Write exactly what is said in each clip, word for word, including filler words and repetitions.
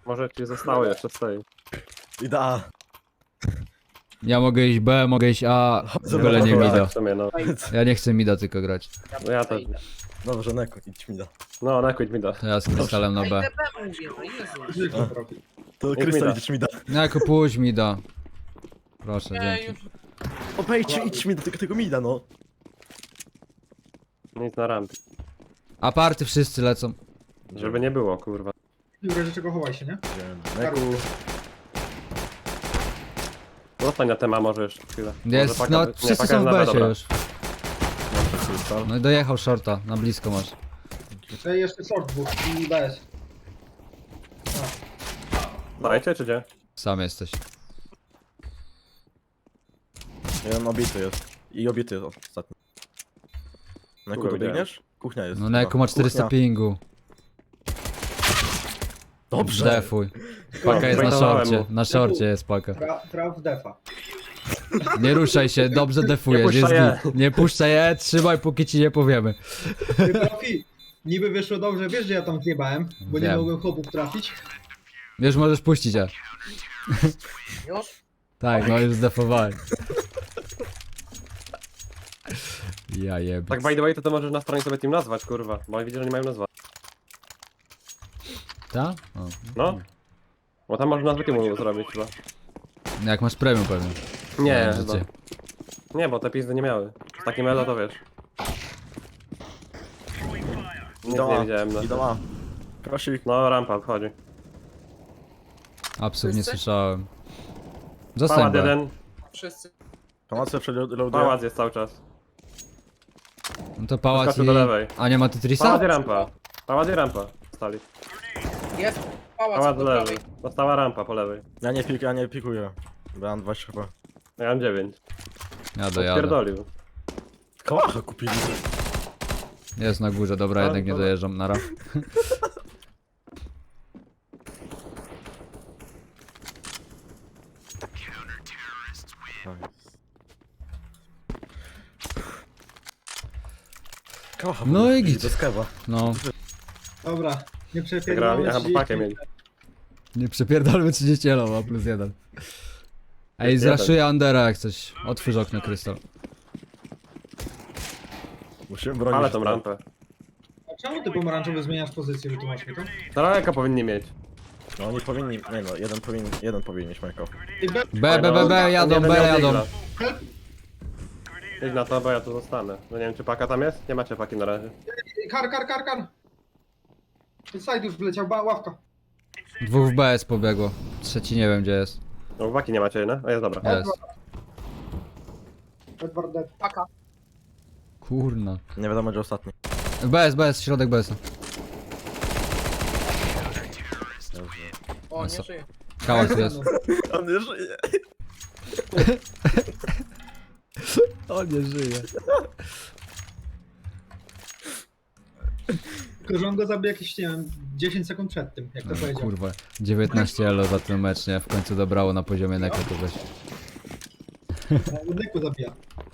Może ci zostało jeszcze stoi. Idę A. Ja mogę iść B, mogę iść A, Zobacz, byle nie dobra. mida. W sumie, no. Ja nie chcę mida tylko grać. No ja też. Dobrze, Neko, idź mi da. No, nakuć mi da. To ja z krystalem na B. Ej, B mówię, no Jezu. To mi Krystal, da. idź mi da. No jako pójdź mida. Proszę, Nie, dzięki. już. Obejdźcie, idź mi do tego, tego mida, no. Nic na rampie. Aparty wszyscy lecą. Żeby nie było, kurwa. W razie czego chowaj się, nie? Neku. Zostań na tema może jeszcze chwilę. Jest, Może no paka- nie, wszyscy paka są w jest na B, B dobra. już. Krystal. No i dojechał shorta, na blisko masz. Tutaj jeszcze short dwóch i B S. Dajcie czy gdzie? Sam jesteś. Jeden obity jest. I obity jest ostatni. Neku, Kurwa, dobiegniesz? Kuchnia jest. No Neku ma czterysta Kuchnia. pingu. Dobrze. Defuj. Paka jest na Bejtowałem szorcie. mu. Na szorcie jest paka. Tra, traf defa. Nie ruszaj się, dobrze defujesz. Nie Jest puszczaj git. Nie puszczaj je, trzymaj póki ci nie powiemy. Ty, profi, niby wyszło dobrze, wiesz, że ja tam zjebałem, bo nie Wiem. mogłem chłopów trafić. Wiesz, możesz puścić je. Już? Tak, no już zdefowałem. Ja jebie. Tak by the way to, to możesz na stronie sobie team nazwać, kurwa. Bo widzę, że nie mają nazwa. Ta? O. No. Bo tam można nazwę teamu zrobić chyba. Jak masz premium pewnie. Nie, Życie. chyba. Nie, bo te pizdy nie miały. Z takim elo to wiesz. Nic Idą nie A. widziałem. No, Idą A. Krosik. no rampa wchodzi. Absów nie Wszyscy? słyszałem. Zostań Pałac B. jeden, Wszyscy. Pałace przeloaduję. pałac jest cały czas. No to pałac Wyskoczył i... do lewej. A nie ma Tetrisa? Pałac i rampa. Pałac i rampa. Stali. Jest. Pałac, Pałac do do lewej. prawej. Została rampa po lewej. Ja nie pik, ja nie pikuję. Bo ja mam dwadzieścia chyba. Ja mam dziewięć. Ja dojadę. Pierdolił. Kałacha kupili. Jest na górze, dobra, A, jednak nie dobra. dojeżdżam, nara. Kałacha No i kupili, git. do skewa. No, Dobra, nie Wygrali. przepierdolmy Aha, bo pakę mieli. nie przepierdolmy trzydzieści elo, plus jeden. Ej, Plus jeden. zraszuję Undera jak coś. Otwórz okno, Krystal. Musimy bronić. Ale tą rampę. A czemu ty pomarańczowy zmieniasz pozycję, wytłumacz mi to? Daleka powinni mieć. No oni powinni, nie no, jeden powinien, jeden powinien mieć Majko. Ty B, B, B, B, B, jadą, Jeden B, miał jadą. digla. Idź na to, bo ja tu zostanę. No nie wiem, czy paka tam jest? Nie macie paki na razie. kar, kar, kar, kar. Side już wleciał, ba, ławka. Dwóch w B S pobiegło. Trzeci nie wiem gdzie jest. No paki nie macie, no? A jest dobra. Jest. Edward dead. Paka. Kurna. Nie wiadomo gdzie ostatni. B S, B S, środek B S. O, A nie co? żyje. Kałac jest. On nie żyje. On nie żyje. Tylko, że on go zabił jakieś, nie wiem, dziesięć sekund przed tym, jak to No, powiedział. kurwa. dziewiętnaście elo za ten mecz, nie? W końcu dobrało na poziomie Neko kogoś. Neku zabija.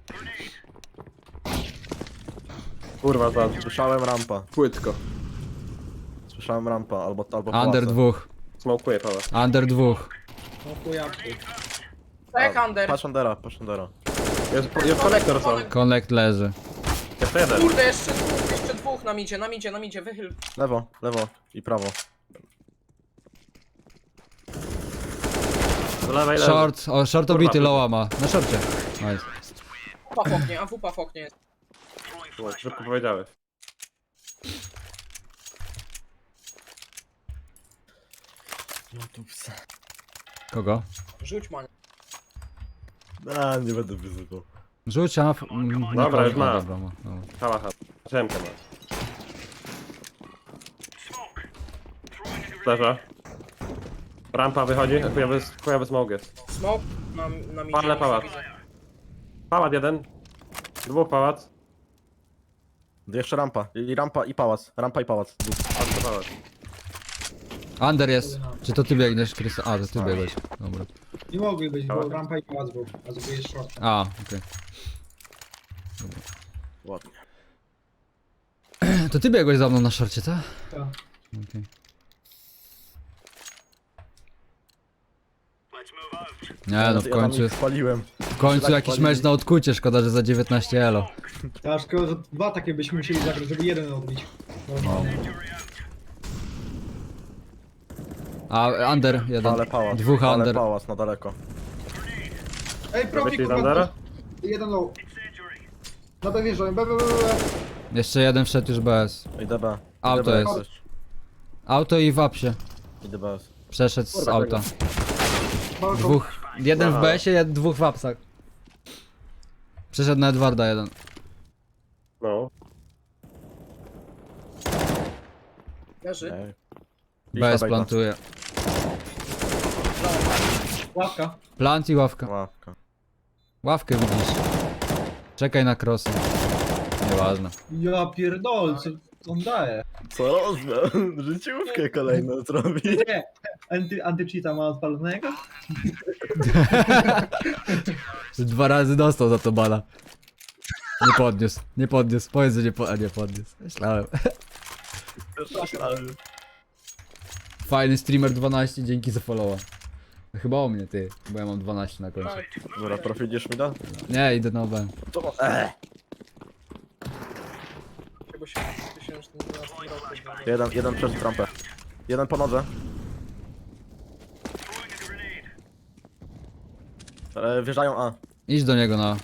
Kurwa, za Słyszałem rampa. płytko. Słyszałem rampa, albo, albo Under pałace. dwóch. Smokuję pałac. Under dwóch. No to ja. Tak, A, Under. Patrz Undera, patrz Undera. Jest, jest konektor są. Connect leży. Jeszcze jeden. Kurde, jeszcze dwóch, jeszcze dwóch na midzie, na midzie, na midzie, wychyl. Lewo, lewo i prawo. Z lewej leży. Short, o, short Kurwa, obity, kurwa. lowa ma. Na shorcie. Nice. Wupa w oknie, a wupa w oknie jest. No, szybko powiedziałeś. Kogo? Rzuć mania. A, nie będę wyzywał. Rzuć, a... mm, nie Dobra, już ma. ma. Dobra, ma. Dobra. Hałacha. Drzemkę ma. Leża. Rampa wychodzi, chujowy, chujowy smog jest. Smoke na, na midzie. Palę już pałac. widzę. Pałac jeden. Dwóch pałac. Jeszcze rampa. I rampa i pałac. Rampa i pałac. Dwóch. Pałac, pałac. Under jest. Czy to ty biegniesz, Krystal? A, to ty biegłeś. Dobra. Nie mogli być, bo Dobra. rampa i pałac był, a zrobiłeś short. A, okej. Ładnie. To ty biegłeś za mną na szorcie, tak? Tak. Okej. Nie no, w Ja tam końcu, ich spaliłem. w końcu tak jakiś palili. mecz na odkucie, szkoda, że za dziewiętnaście elo. A szkoda, że dwa takie byśmy musieli zagrać, żeby jeden odbić. No. A under, jeden. Ale pałac. Dwóch ale under. pałac na daleko. Ej, profi, Wyszli z kurwa, Andera? jeden low. Na B wjeżdżam, B, B, B, B. Jeszcze jeden wszedł już bez. Idę B. Auto Idę B jest. jak coś. Auto i w apsie. Idę B. Przeszedł z Kurwa, auta. Balkon. Dwóch. Jeden w Aha. B S ie, jed- dwóch w apsach. Przeszedł na Edwarda jeden. No. Leży. Ej. B S Bejta. plantuje. Ławka. Plant i ławka. Ławka. Ławkę widzisz. Czekaj na crossy. Nieważne. Ja pierdol, co on daje? Co rozmiar? Życiówkę kolejną zrobi. Nie, anty, antycheata ma odpalonego? Dwa razy dostał za to bala. Nie podniósł, nie podniósł. Powiedz, że nie, po... A nie podniósł. Myślałem. Fajny streamer dwanaście, dzięki za followa. Chyba o mnie ty, bo ja mam dwanaście na końcu. Tak. Dobra, profidziesz mi da? Nie, idę na B. To eee. Chyba się tysięczny dwunasty rok będzie. Jeden, jeden przez trampę. Jeden po nodze. E, wjeżdżają A. Idź do niego na...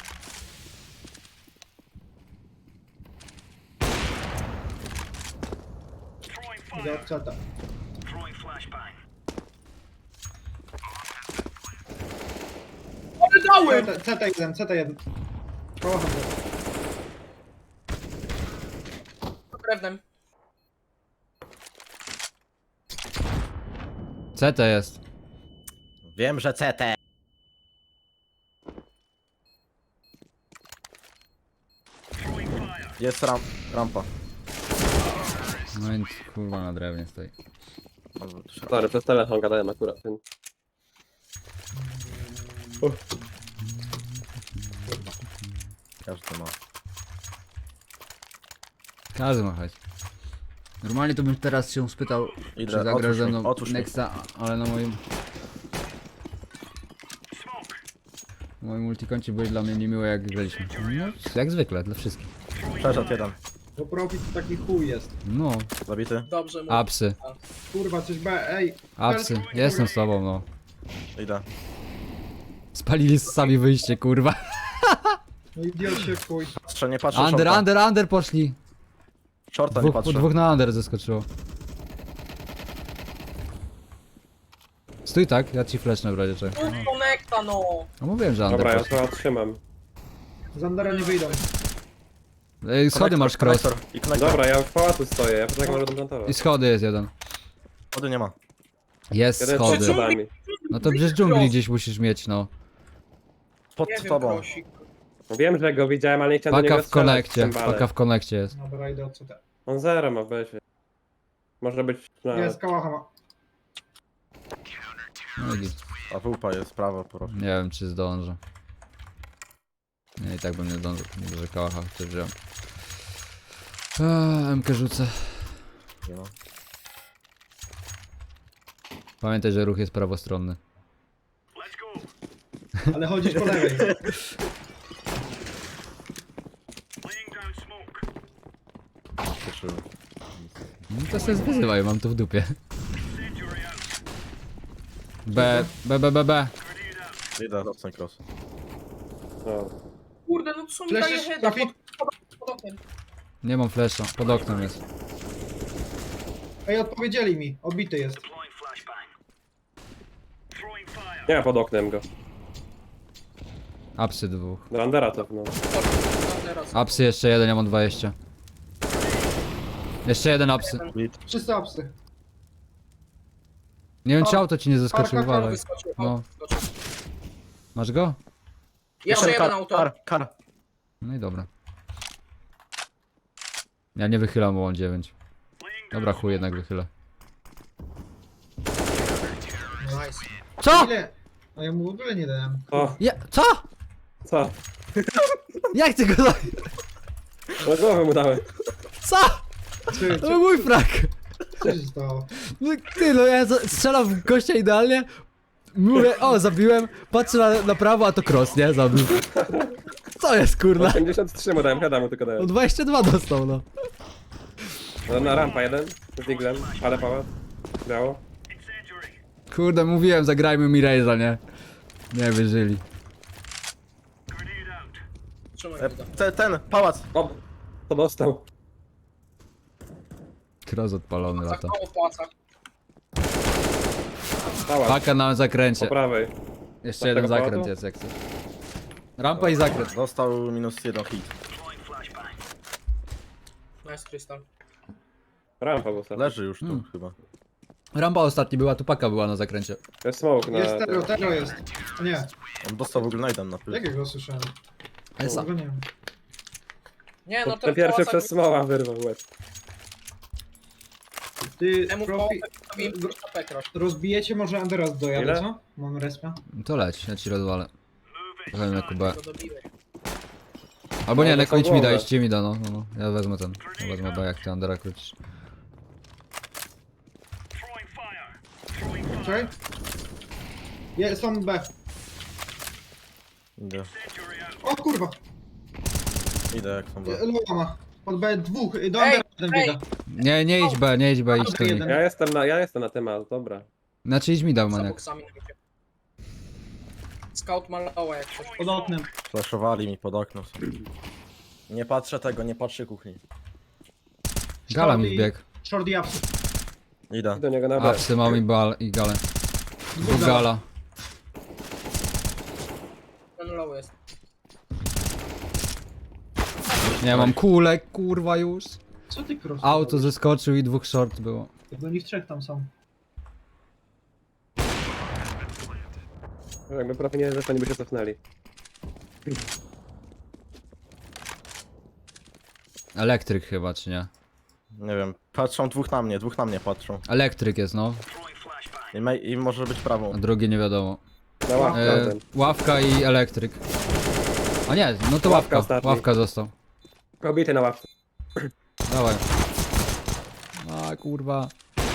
Idę od czata. Ale dałem! C T jeden, C T jeden. Koło handlu. Drewnem. C T jest. Wiem, że C T. Jest ram rampa. No więc kurwa na drewnie stoi. Sorry, przez telefon gadałem akurat. Ten. Każdy ma. Każdy ma hajs. Normalnie to bym teraz się spytał, Idę, czy zagra otwórz ze mi, mną otwórz mi. Nexta, ale na moim... Na moim multikoncie byłeś dla mnie niemiłe jak graliśmy. No, jak zwykle, dla wszystkich. Przeszedł jeden. Bo profit to taki chuj jest. No, Zabity. Dobrze mu. apsy, Kurwa, coś B, ej. apsy. Jestem z tobą, no. Idę. Spalili sami wyjście, kurwa. No idiot się chuj. Patrzę, nie patrzę Under, shorta. under, under poszli. Shorta nie Dwóch, po patrzę. dwóch na under zeskoczyło. Stój tak, ja ci flashnę w razie czego. Tu konekta no! No mówiłem, że under Dobra, ja poszli. to trzymam. Z Andera nie wyjdą. Ej, schody masz cross. Konektor. I konektor. Dobra, ja w pałacu stoję, ja poczekam, może plantować. I schody jest jeden. Wody nie ma. Jest Jeden schody. przed schodami. No to przecież dżungli gdzieś musisz mieć, no. Pod Nie wiem, tobą. prosik. No wiem, że go widziałem, ale nie chciałem do Paka niego w strzelać konekcie, cymbale. paka w konekcie jest. Dobra, idę od C T. On zero ma w besie. Może być na... Jest, kałacha ma. No i git. A wupa jest prawo po Nie wiem czy zdążę. Nie, i tak bym nie zdążył, nie że kałacha chociaż wziąłem. Eee, M K rzucę. Nie ma. Pamiętaj, że ruch jest prawostronny. Ale chodzisz po lewej. Cieszyłem. No to sobie wyzywaj, mam to w dupie. B, B, B, B, B. Idę, doceń cross. No. Kurde, no to są mi Flash daje jest heada trafi- pod, pod, pod oknem. Nie mam flasha, pod oknem jest. Ej, odpowiedzieli mi. Odbity jest. Nie ma pod oknem go. Apsy dwóch. Do Andera to, no. Teraz. Apsy jeszcze jeden, ja mam dwadzieścia. Jeszcze jeden apsy. Bit. Wszyscy apsy. Nie wiem czy auto ci nie zaskoczył, Parka, ale... Wyskoczył, No. no. wyskoczył. Masz go? Jeszcze jeden kar, auto. Kar, kar. No i dobra. Ja nie wychylam, bo mam dziewięć. Dobra, chuj, jednak wychylę. Nice. Co? Ile? A ja mu w ogóle nie dałem. O, Ja, co? co? Jak ty go za... No głowę mu dałem. Co? Czy, To czy, był mój frak. co się stało? No ty, no ja za- strzelam w gościa idealnie. Mówię, o, zabiłem, patrzę na, na prawo, a to cross, nie? Zabił. Co jest, kurna? osiemdziesiąt trzy mu dałem, heada mu tylko No dałem. dwadzieścia dwa dostał, no. No, na rampa jeden, z diglem, ale pałac. Biało. Kurde, mówiłem, zagrajmy mi Raze'a, nie? Nie wierzyli. Trzymaj E, go. te, ten, pałac. O, to dostał. Cross odpalony lata. Zakoło w pałacach. Pałac, Paka na po zakręcie. prawej. Jeszcze jeden tego zakręt pałacu? jest, jak chcesz. Rampa i zakręt. Dostał minus jeden hit. Nice, Crystal. Rampa był ostatni. Leży już tu Hmm. chyba. Rampa ostatni była, tu paka była na zakręcie. Jest smoke na... Jest tero, tero jest. Nie, On dostał w ogóle najdem na pył. jakiego słyszałem? Esa. Tego nie wiem. Nie, no To to ten w pierwszy pałacach- przez smoła wyrwał łeb. Ty, Temu w profi, pałacach crash. rozbijecie może Anderas dojadę, Ile? co? Mam respa. To leć, ja ci rozwalę. Trochę na Kubę. Go dobiłeś. Albo nie, No, Neko, idź mi da, głowę. idźcie mi da, no, no, no. Ja wezmę ten. Ja wezmę B, jak ty Andera krócisz. Czekaj. Je, są B. Idę. O kurwa, Idę jak są. e, lowa ma. Pod B dwóch, do Ej, Anderasa jeden ej. biega. Nie, nie idź B, nie idź B, idź tu mi. jeden. Ja jestem na, ja jestem na temat, dobra. Znaczy idź mi da, Za maniak. boksami na grupie. Scout ma lowa jak coś. Pod oknem. Flashowali mi pod okno. Nie patrzę tego, nie patrzę kuchni. Gala mi wbiegł. Short i ups. Idę. Do niego na B. Apsy mam i bal, i galę. Dwóch gala. Ten low jest. Nie, mam kulek, kurwa już. Co ty cross? Auto zeskoczył i dwóch short było. Bo oni w trzech tam są. Jakby prawie nie zresztą nie by się cofnęli. Elektryk chyba, czy nie? Nie wiem. Patrzą dwóch na mnie, dwóch na mnie patrzą. Elektryk jest, no. I, me, i może być prawą. A drugi nie wiadomo. Na ławkę E, ten. ławka i elektryk. A nie, no to Ławka ławka. ostatni. Ławka został. Kobiety na ławce. Dawaj. A kurwa.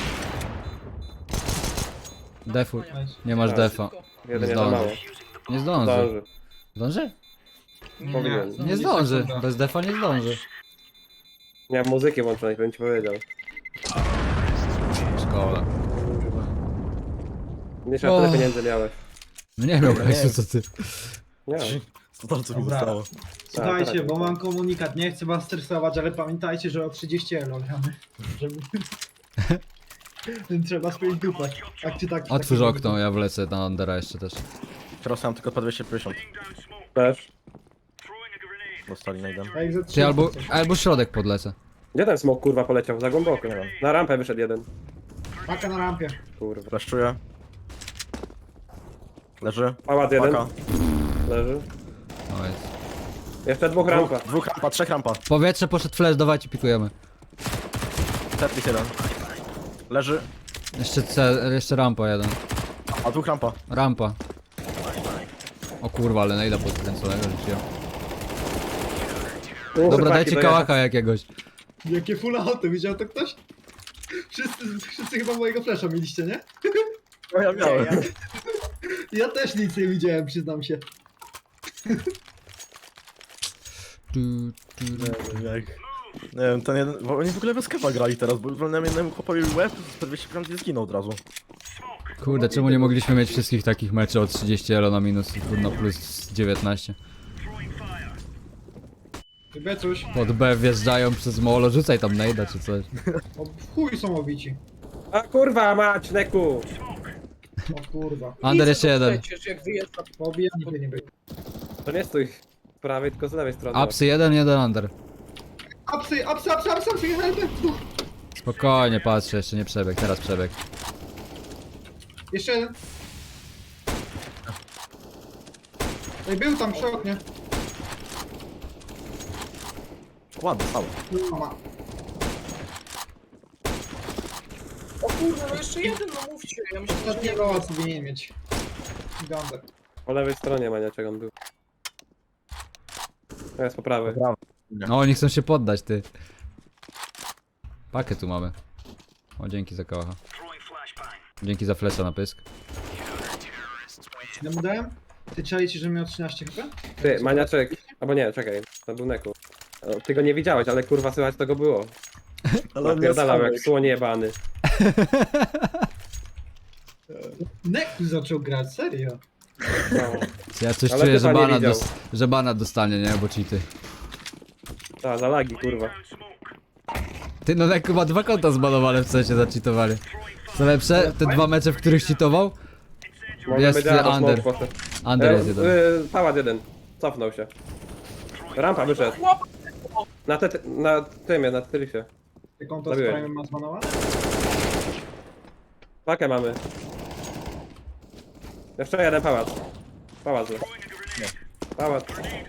Defuj. Nice. Nie masz Tak. defa. Jeden nie za Zdąży. mało. Nie zdąży. Zdąży. Zdąży? Powinien. Nie zdąży. Bez defa nie zdąży. Miałem muzykę włączonej, bym ci powiedział. Szkoda. Nie trzeba O. tyle pieniędzy miałeś. No nie miał Nie. hajsu, co ty. Nie. Co to co mi Dobra. zostało? Słuchajcie, tak, bo tak. mam komunikat, nie chcę was stresować, ale pamiętajcie, że o trzydzieści elo gramy. Żeby... Trzeba spiąć dupę. Tak czy tak. Otwórz okno, ja wlecę na Andera jeszcze też. Teraz mam tylko po dwieście pięćdziesiąt. Też. Dostali najdem. Tak, za Czy albo, albo środek podlecę. Gdzie ten smok kurwa poleciał? Za głęboko. Nie wiem. Na rampę wyszedł jeden. Paka na rampie. Kurwa. Flashuję. Leży. Pałac jeden. Paka. Leży. No jest. Jeszcze dwóch rampa. Dwóch, dwóch rampa, trzech rampa. Powietrze poszedł flash, dawajcie pikujemy. Tetris jeden. Leży. Jeszcze C, jeszcze rampa jeden. A dwóch rampa. Rampa. O kurwa, ale najda podkręconego rzuciłem. Tu Dobra, chłopaki dajcie dojechać. kałaka jakiegoś. Jakie full auto, widział to ktoś? Wszyscy, wszyscy chyba mojego flasha mieliście, nie? No ja miałem. Ja, ja też nic nie widziałem, przyznam się. Tu, tu, Jak... Nie wiem, ten jeden... Bo oni w ogóle bez kewa grali teraz, bo wolnemu jednemu chłopowi łeb, to dwieście pięćdziesiąt zginął od razu. Kurde, czemu nie mogliśmy mieć wszystkich takich meczów o trzydzieści elo na minus i kurno plus dziewiętnaście? Ty Becuś, Pod B wjeżdżają przez molo, rzucaj tam najda czy coś. o w chuj są obici. A kurwa mać, Neku! O kurwa. Ander jeszcze jeden. Przecież jak wyjeżdża, Pobijani by nie byli. To nie stój z prawej, tylko z lewej strony. Apsy jeden, jeden under. Apsy, apsy, apsy, apsy, apsy, helpy. Spokojnie, patrzę, jeszcze nie przebieg, teraz przebieg. Jeszcze jeden. Ej, był tam przy oknie. Ładny, cały. Mama. o kurwa, no jeszcze jeden, no mówcie. Ja myślę, że Ostatnie nie roła sobie nie mieć. Gander. Po lewej stronie maniaczek on był. To jest po prawej. No, oni chcą się poddać, ty. Pakę tu mamy. O, dzięki za kałacha. Dzięki za flesza na pysk. Ja mu dałem? Ty czaicie, że miał trzynaście H P? Ty, maniaczek. Albo nie, czekaj, to był Neku. O, Ty go nie widziałeś, ale kurwa słychać to go było. Ale on nie Napierdalał sam. jak słoń jebany. Neku zaczął grać, serio. No. Ja coś Ale czuję, ty że to nie bana, widział. dos że bana dostanie, nie? Bo cheaty. Ta, za lagi kurwa. Ty, no jak chyba dwa konta zbanowane w sensie zacheatowali. Co lepsze, te dwa mecze, w których cheatował? Może Jest będzie albo under. smoke poszedł. Under E, jest jeden. y, Pałat jeden. Cofnął się. Rampa wyszedł. Chłop! Na, te, na tym, na Tyrysie. Ty konto z Zabiłem. Prime ma zbanowane? Pakę mamy. Jeszcze jeden pałac. Pałac. Nie. Pałac.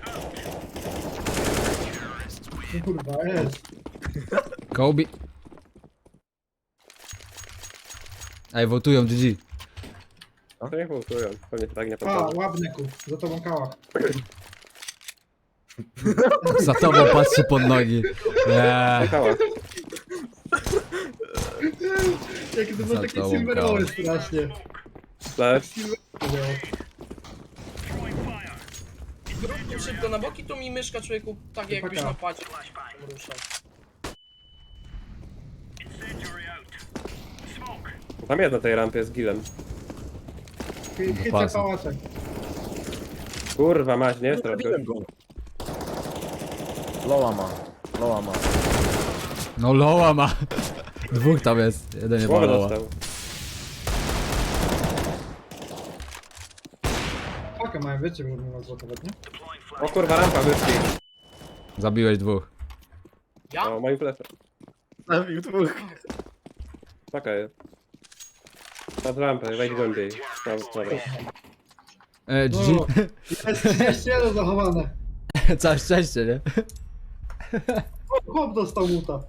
Kurwa, jest. Kobe. Ej, wotują G G. To nie półtują. Pewnie tak nie A, podchodzą. łap Neku, za tobą kałach. Za tobą patrzy pod nogi. Nie. Pałac. Jakie to było Za takie tobą silverowe kałach. strasznie. Flash. Zrób tu szybko na boki, tu mi myszka człowieku, tak jakbyś Paka. na padzie ruszał. Tam jest na tej rampie z gilem. Chy- Chycę pasa. pałaczek. Kurwa mać, nie jest trochę. Zabiłem go. Loa ma. Loa ma. No loła ma. Dwóch tam jest. Jeden nie ma Głowę loła. dostał. Pakę mają, wiecie, bo nie ma złotować, nie? O kurwa, rampa wyszli. Zabiłeś dwóch. Ja? O, moim fleszem. Zabił dwóch. Paka jest. Nad rampę, wejdź głębiej. No, dobra. E, G No, G. jest trzydzieści jeden zachowane. Całe szczęście, nie? Chłop dostał muta.